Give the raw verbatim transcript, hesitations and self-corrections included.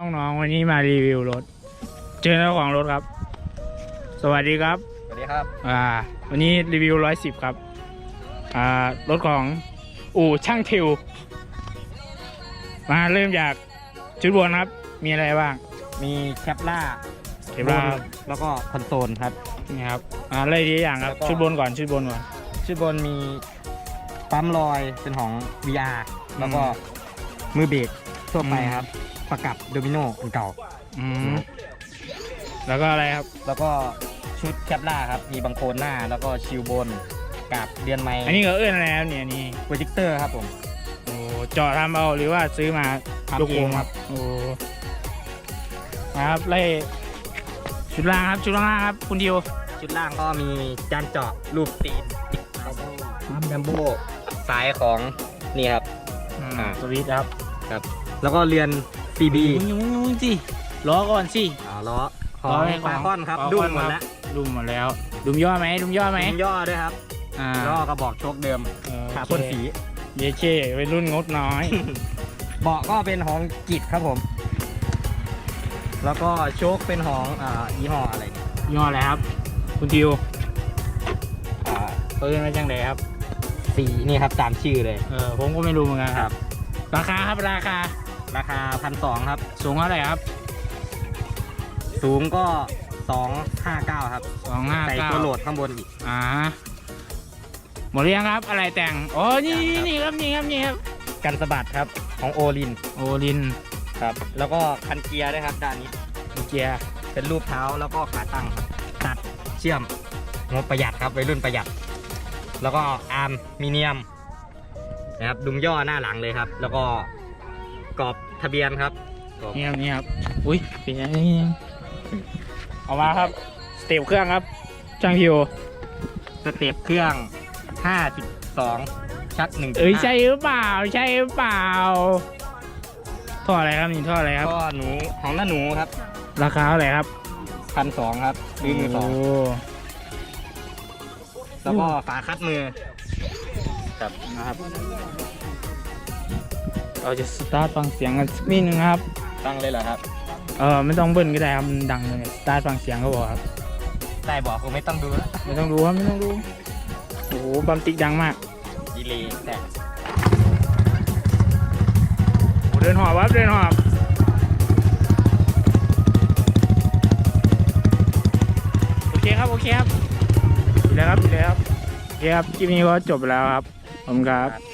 น้องๆวันนี้มารีวิวรถเจอเจ้าของรถครับสวัสดีครับสวัสดีครับอ่าวันนี้รีวิวร้อยสิบครับอ่ารถของอู่ช่างทิวมาเริ่มจากชุดบนครับมีอะไรบ้างมีแคปล่าเก็บราแล้วก็คอนโซลครับนี่ครับอ่าอะไรดีอย่างครับชุดบนก่อนชุดบนก่อนชุดบนมีปั๊มลอยเป็นของ วี อาร์ แล้วก็มือเบรกทั่วไปครับประกับโดมิโนอันเก่าอืมแล้วก็อะไรครับแล้วก็ชุดแคปล่าครับมีบังโคลนหน้าแล้วก็ชิวบนกับเดือนไม้อันนี้ก็เอื้อนอะไรครับเนี่ยนี่โปรเจคเตอร์ครับผมโอ้เจาะทำเอาหรือว่าซื้อมาทำเองครับโอ้นะครับไล่ชุดล่างครับชุดล่างครับคุณดิวชุดล่างก็มีจานเจาะรูปตีนปั๊มแบมโบสายของนี่ครับอ่าสวิตครับครับแล้วก็เรียน ซี บียุ่งยุ่งสิล้อก่อนสิอ๋อล้อของฟาคอนครับดุมหมดแล้วดุมหมดแล้วดุมย่อไหมดุมย่อไหมดุมย่อด้วยครับล้อกระบอกโชคเดิมขาพ่นสีเยเช่เป็นรุ่นงดน้อยเบาะก็เป็นของกิจครับผมแล้วก็โชคเป็นของอ่ายี่ห้ออะไรยี่ห้ออะไรครับคุณดิวอ่าเปิดมาจังเลยครับสีนี่ครับตามชื่อเลยเออผมก็ไม่รู้เหมือนกันครับราคาครับราคาราคาพันสองครับสูงเท่าไหร่ครับสูงก็สองห้าเก้าครับสองห้าเก้าใส่ตัวโหลดข้างบนอีกอ่าหมดหรือยังครับอะไรแต่งโอ้นี่นี่ครับนี่ครับนี่ครับกันสะบัดครับของโอลินโอลินครับแล้วก็คันเกียร์ด้วยครับด้านนี้เกียร์เป็นรูปเท้าแล้วก็ขาตั้งตัดเชื่อมงบประหยัดครับวัยรุ่นประหยัดแล้วก็อาร์มมีเนียมนะครับดุมย่อหน้าหลังเลยครับแล้วก็กรอบทะเบียนครับนี่ครับนี่ครับอุ้ยเป็นยังไงเอามาครับสเต็ปเครื่องครับช่างพิวสเต็ปเครื่องห้าสิบสองชักหนึ่งเอ้ยใช่หรือเปล่าใช่หรือเปล่าท่ออะไรครับนี่ท่ออะไรครับท่อหนูของหน้าหนูครับราคาเท่าไหร่ครับพันสองครับซื้อมือสองแล้วก็ฝาคัดมือครับนะครับเราจะสตาร์ทฟังเสียงกันสักนิดนึงครับฟังเลยเหรอครับเออไม่ต้องเบิ้ลก็ได้ครับมันดังเลยสตาร์ทฟังเสียงก็บอกครับได้บอกคงไม่ต้องดูไม่ต้องดูครับไม่ต้องดูโอ้โหบัมติกดังมากดีเลยแต่โอ้เดินหอบครับเดินหอบโอเคครับโอเคครับดีแล้วครับดีแล้วครับโอเคครับคลิปนี้ก็จบแล้วครับผมครับ